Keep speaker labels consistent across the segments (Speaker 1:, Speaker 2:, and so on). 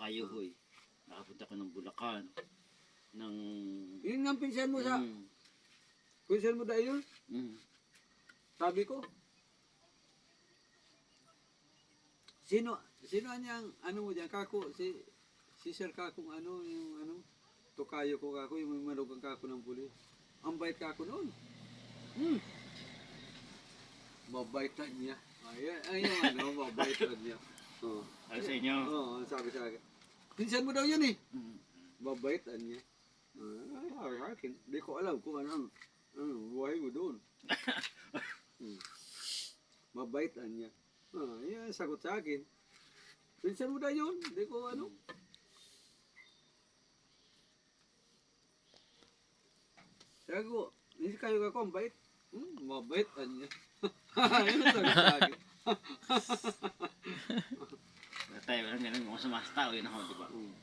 Speaker 1: Kayuhoy. Nakapunta ko ng Bulacan. Ng...
Speaker 2: Yun nga pinsan mo sa...
Speaker 1: Mm.
Speaker 2: Pinsan mo dahil yun?
Speaker 1: Mm.
Speaker 2: Sabi ko. Sino niyang ano mo dyan? Kako, si Sir Kakong ano, yung ano, tukayo ko kako, yung manugang kako ng pulis. Ang bait kako noon. Mabaitan niya. Ayun ano, mabaitan niya. Oh.
Speaker 1: Ay sa inyo.
Speaker 2: Oo, sabi sa akin. Pinsan mo daw yun eh.
Speaker 1: Mm.
Speaker 2: Mabaitan niya. Ay, akin. Di ko alam kung ano buhay mo doon. Mabaitan niya. Yan, sagot sa akin. Pinsan mo daw yun. Di ko ano. Sabi ko, hindi kayo ako ang bait. Mabaitan niya. Yan ang sagot sa akin.
Speaker 1: Tayo lang ganun mga sa mas tao yun ako, di ba?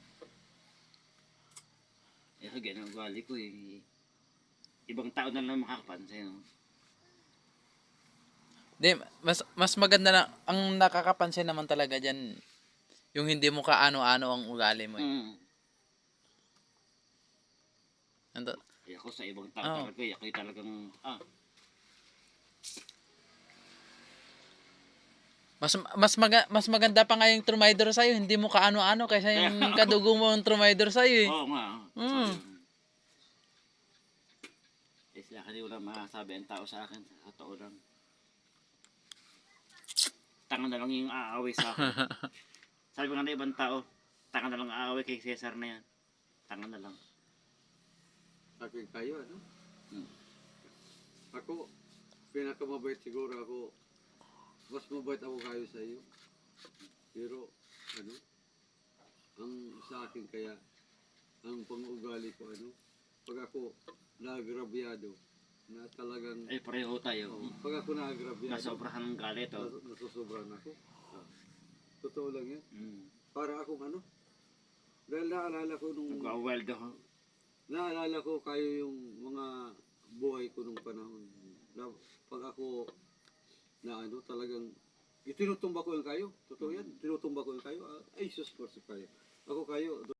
Speaker 1: Eh, so ganun ang ugali ko eh. Ibang tao na lang makakapansin. No?
Speaker 3: Di, mas maganda na, ang nakakapansin naman talaga dyan, yung hindi mo kaano-ano ang ugali mo.
Speaker 1: Mm.
Speaker 3: Ando,
Speaker 1: Eh, ako sa ibang tao
Speaker 3: Oo.
Speaker 1: talaga, ako'y talagang,
Speaker 3: mas maganda pa nga yung Trumaydor sa'yo, hindi mo kaano-ano kaysa yung kadugo mo yung Trumaydor sa'yo eh.
Speaker 1: oo nga.
Speaker 3: Mm.
Speaker 1: Eh, sila kasi wala masasabi ang tao sa akin, sa totoo lang. Tanga na lang yung aaway sa akin. Sabi nga na ibang tao, tanga na lang aaway kay Cesar na yan. Tanga na lang.
Speaker 2: Akin kayo, ano?
Speaker 1: Hmm.
Speaker 2: Ako, pinakamabait siguro ako. Mas mabait ako kayo sa iyo. Pero, ano? Ang sa akin kaya, ang pang-ugali ko, ano? Pag ako naagrabyado, na talagang,
Speaker 1: Eh, pareho tayo.
Speaker 2: pag ako naagrabyado,
Speaker 1: Nasobrahan ng galit, oh.
Speaker 2: nasusobran ako. Totoo lang yan.
Speaker 1: Mm.
Speaker 2: Para akong ano? Dahil naalala ko nung...
Speaker 1: Nag-wild ako.
Speaker 2: Naalala ko kayo yung mga buhay ko nung panahon. Na pag ako na ano talagang itinutumba ko yung kayo. Totoo yan. Tinutumba ko yung kayo. Ay, sus, kayo. Ako kayo.